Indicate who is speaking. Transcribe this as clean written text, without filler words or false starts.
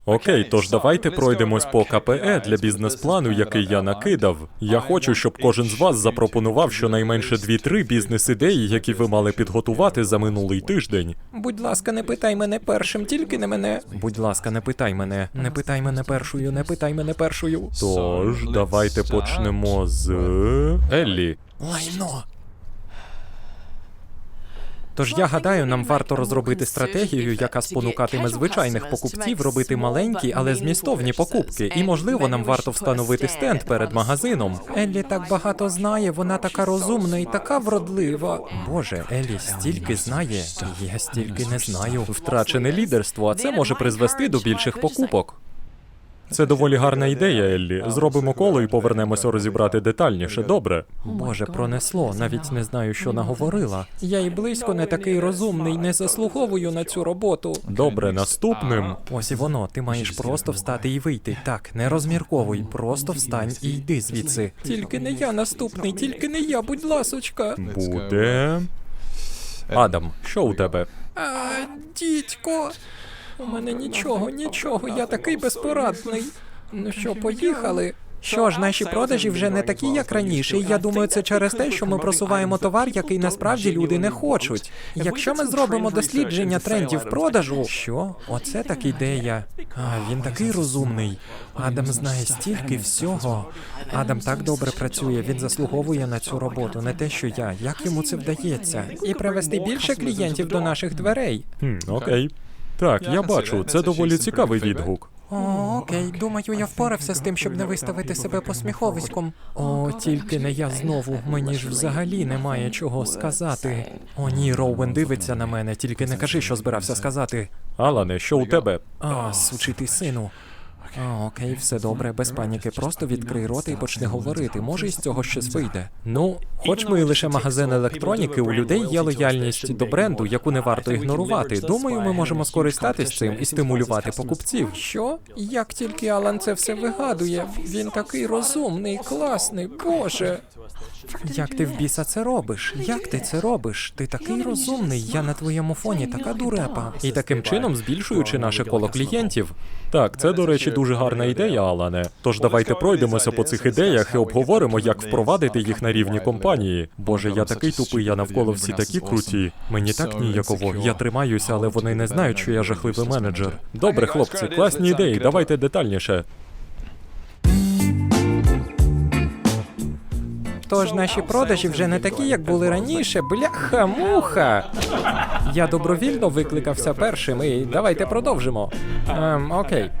Speaker 1: Окей, тож давайте пройдемось по КПЕ для бізнес-плану, який я накидав. Я хочу, щоб кожен з вас запропонував щонайменше 2-3 бізнес-ідеї, які ви мали підготувати за минулий тиждень.
Speaker 2: Будь ласка, не питай мене першим, тільки не мене.
Speaker 1: Будь ласка, не питай мене.
Speaker 2: Не питай мене першою, не питай мене першою.
Speaker 1: Тож, давайте почнемо з Еллі.
Speaker 2: Лайно. Тож я гадаю, нам варто розробити стратегію, яка спонукатиме звичайних покупців робити маленькі, але змістовні покупки. І, можливо, нам варто встановити стенд перед магазином. Еллі так багато знає, вона така розумна і така вродлива.
Speaker 1: Боже, Еллі стільки знає, я стільки не знаю. Втрачене лідерство, а це може призвести до більших покупок. Це доволі гарна ідея, Еллі. Зробимо коло і повернемося розібрати детальніше, добре?
Speaker 2: Боже, пронесло, навіть не знаю, що наговорила. Я і близько не такий розумний, не заслуговую на цю роботу.
Speaker 1: Добре, наступним.
Speaker 2: Ось і воно, ти маєш просто встати і вийти. Так, не розмірковуй, просто встань і йди звідси. Тільки не я наступний, тільки не я, будь ласочка.
Speaker 1: Буде... Адам, що у тебе?
Speaker 2: Дідько. У мене нічого, я такий безпорадний. Ну що, поїхали? Що ж, наші продажі вже не такі, як раніше, і я думаю, це через те, що ми просуваємо товар, який насправді люди не хочуть. Якщо ми зробимо дослідження трендів продажу... Що? Оце так ідея. Він такий розумний. Адам знає стільки всього. Адам так добре працює, він заслуговує на цю роботу, не те, що я. Як йому це вдається? І привести більше клієнтів до наших дверей.
Speaker 1: Окей. Так, я бачу, це доволі цікавий відгук.
Speaker 2: Окей, думаю, я впорався з тим, щоб не виставити себе посміховиськом. Тільки не я знову, мені ж взагалі немає чого сказати. О ні, Роуен дивиться на мене, тільки не кажи, що збирався сказати.
Speaker 1: Алане, що у тебе?
Speaker 2: Сучий ти сину. Окей, все добре, без паніки, просто відкрий рота і почни говорити, може із цього щось вийде.
Speaker 1: Ну, хоч ми і лише магазин електроніки, у людей є лояльність до бренду, яку не варто ігнорувати. Думаю, ми можемо скористатись цим і стимулювати покупців.
Speaker 2: Що? Як тільки Алан це все вигадує? Він такий розумний, класний, боже. Як ти в біса це робиш? Як ти це робиш? Ти такий розумний, я на твоєму фоні така дурепа.
Speaker 1: І таким чином збільшуючи наше коло клієнтів. Так, це, до речі, дуже гарна ідея, Алане. Тож давайте пройдемося по цих ідеях і обговоримо, як впровадити їх на рівні компанії. Боже, я такий тупий, я навколо всі такі круті. Мені так ніяково. Я тримаюся, але вони не знають, що я жахливий менеджер. Добре, хлопці, класні ідеї, давайте детальніше.
Speaker 2: Тож наші продажі вже не такі, як були раніше. Бляха-муха! Я добровільно викликався першим і давайте продовжимо. Окей.